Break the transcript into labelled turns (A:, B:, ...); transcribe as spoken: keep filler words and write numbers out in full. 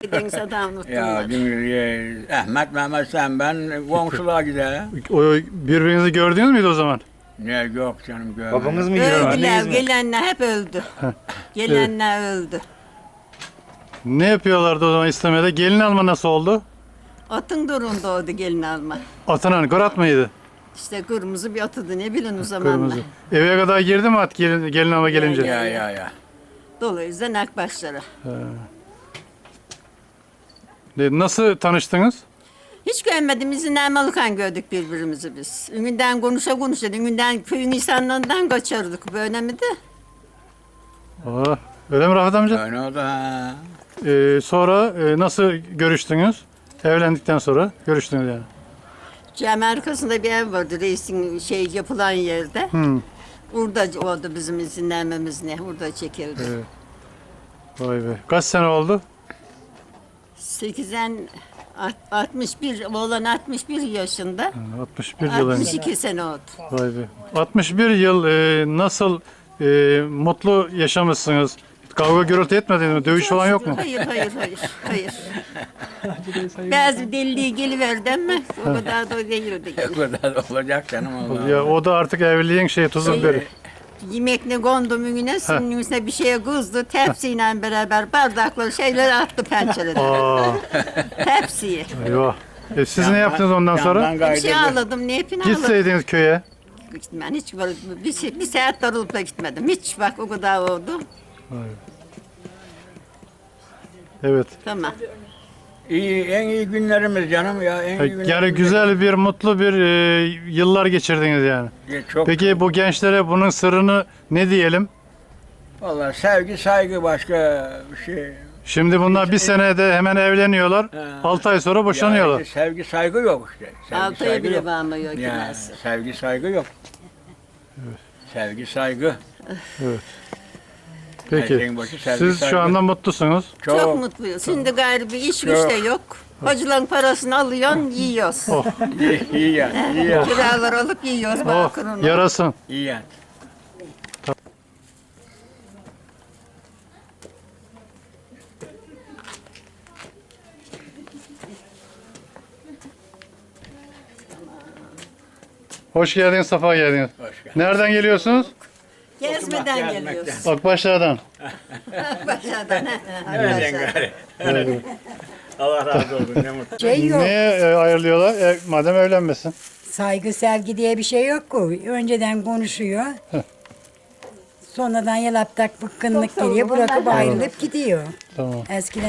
A: Deniz adam unuttum
B: Ya
A: ben.
B: dün, e, Ahmet Mehmet sen ben komşuluğa gider.
C: O birbirinizi gördünüz müydü o zaman?
B: Ne yok canım görmedim.
D: Babanız mı
A: Öldüler,
D: görmediniz mi?
A: gelenler hep öldü. Gelenler öldü.
C: Ne yapıyorlardı o zaman istemede? Gelin alma nasıl oldu?
A: Atın durun doğdu gelin alma.
C: Atın Gorat mıydı?
A: İşte kırmızı bir atıdı ne bilin o zamanlar.
C: Kırmızı. Eve kadar girdi mi at gelin, gelin alma gelince?
B: Ya ya ya.
A: Dolayısıyla nakbaşlara.
C: De, Nasıl tanıştınız?
A: Hiç görmedim izinden malıkan gördük birbirimizi biz. Ününden konuşa konuşa, ününden köyün insanlarından kaçardık. Böyle mi de?
C: Aa, öyle mi Rafet amca?
B: Öyle oldu ha.
C: Ee, sonra e, nasıl görüştünüz? Evlendikten sonra görüştünüz yani.
A: Cami arkasında bir ev vardı reisin şey yapılan yerde.
C: Hmm.
A: Orada oldu bizim izinlenmemiz ne? Orada çekildi.
C: Evet. Vay be. Kaç sene oldu?
A: sekizden alt- altmış bir, oğlan altmış bir yaşında.
C: altmış bir yıl önce.
A: altmış iki sene oldu.
C: Vay be. altmış bir yıl e, nasıl e, mutlu yaşamışsınız? Kavga gürültü etmediniz mi? Dövüş falan yok mu?
A: Hayır, hayır, hayır, hayır. Bazı deliliği geliverdi ama o kadar da değildi.
B: O kadar da olacak canım Allah.
C: Ya o da artık evliliğin şeyi tuzu biberi.
A: Yemek ne kondu mümine, sünün üstüne bir şeye kızdı, tepsiyle beraber bardakları şeyler attı pencereden.
C: Aa,
A: Tepsiyi.
C: eyvah. E, siz ne yaptınız ondan sonra?
B: Yandan
A: Bir şey
B: kaydırdı.
A: ağladım, ne yapayım ağladım.
C: Gitseydiniz köye.
A: Ben hiç böyle bir, şey, bir saat darılıp da gitmedim. Hiç bak o kadar oldu.
C: Evet.
A: Tamam.
B: İyi, en iyi günlerimiz canım ya. En iyi günlerimiz.
C: Yani güzel bir, mutlu bir e, yıllar geçirdiniz yani.
B: Ya çok,
C: Peki bu gençlere bunun sırrını ne diyelim?
B: Vallahi sevgi saygı başka bir şey.
C: Şimdi bunlar bir senede hemen evleniyorlar.
B: Ha.
C: altı ay sonra boşanıyorlar.
B: Ya işte sevgi saygı yok işte. Sevgi
A: Altı ay
B: saygı
A: bile
B: yok.
A: bağlamıyor ki
B: Ya,
A: nasıl.
B: sevgi saygı yok. Sevgi saygı. Her
C: Peki.
B: şeyin başı sevgi,
C: Siz
B: saygı.
C: şu anda mutlusunuz.
A: Çok,
B: Çok,
A: mutluyuz. Şimdi gayrı bir iş güç
B: Çok.
A: de yok. Hacıların parasını alıyorsun, yiyoruz.
C: Oh,
B: iyi, iyi ya, iyi ya,
A: Kiralar alıp yiyoruz
C: oh,
A: bakırını.
C: yarasın.
B: iyi ya.
C: Hoş geldiniz, safa geldiniz.
B: Hoş geldin.
C: Nereden geliyorsunuz?
A: Gezmeden
B: Gezmekten.
A: geliyoruz.
C: Akbaşlar'dan.
A: Başlardan.
B: Nereden gari? Allah razı olsun, ne mutlu.
E: Şey yok.
C: Niye e, ayırıyorlar? E, madem evlenmesin.
E: Saygı sevgi diye bir şey yok ki. Önceden konuşuyor. Sonradan yalaptak bıkkınlık geliyor. Bırakıp ayrılıp gidiyor.
C: Tamam.
E: Eskiden